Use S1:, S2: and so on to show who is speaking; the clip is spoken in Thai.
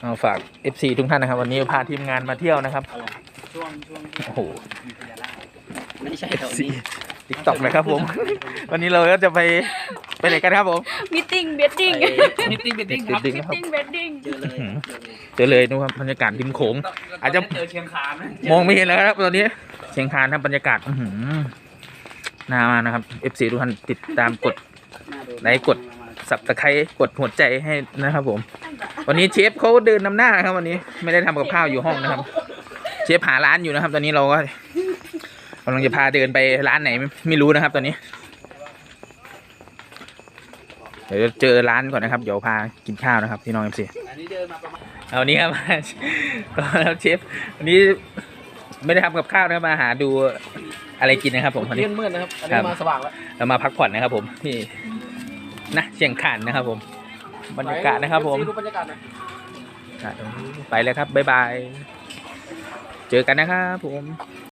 S1: เอาฝาก FC ทุกท่านนะครับวันนี้พาทีมงานมาเที่ยวนะครับ
S2: ช่วง
S1: โอ้โห
S2: ไม่ใช่
S1: FC TikTok นะครับผม วันนี้เราก็จะไปไหนกันครับผม
S3: มิทติ้งเบดดิ้ง
S2: มิตติ้งครับ
S1: ดิ้ง
S3: มิ
S1: นะ
S3: ท
S1: ครับ
S3: ติ้งเบดดิ้ง
S2: เจอเลย
S1: นู่นครับบรรยากาศริมโขงอาจจะ
S2: เจอเชียงคานนะ
S1: มองไม่เห็นแล้วครับตอนนี้เชียงคานครับบรรยากาศน่ามานะครับ FC ทุกท่านติดตามกดไลค์กดสับตะไคร้กดหัวใจให้นะครับผมวันนี้เชฟเขาเดินนำหน้าครับวันนี้ไม่ได้ทำกับข้าวอยู่ห้องนะครับเชฟหาร้านอยู่นะครับ ตอนนี้เราก็กำลังจะพาเดินไปร้านไหนไม่รู้นะครับ ตอนนี้เดี๋ยวเจอร้านก่อนนะครับเดี๋ยวพากินข้าวนะครับพี่น้อง FC
S2: อันนี้เดินมาประมาณ
S1: เอานี้ครับ ก็แล้วเชฟวันนี้ไม่ได้ทำกับข้าวนะครับมาหาดูอะไรกินนะครับผมวันนี้
S2: มืดนะครับอันนี้มาสว่างแล้ว
S1: เรามาพักผ่อนนะครับผมที่นะเชียงคานนะครับผมบรรยากาศนะครับผม
S2: ดูบรรยากาศนะ
S1: ไปเลยครับบ๊ายบายเจอกันนะครับผม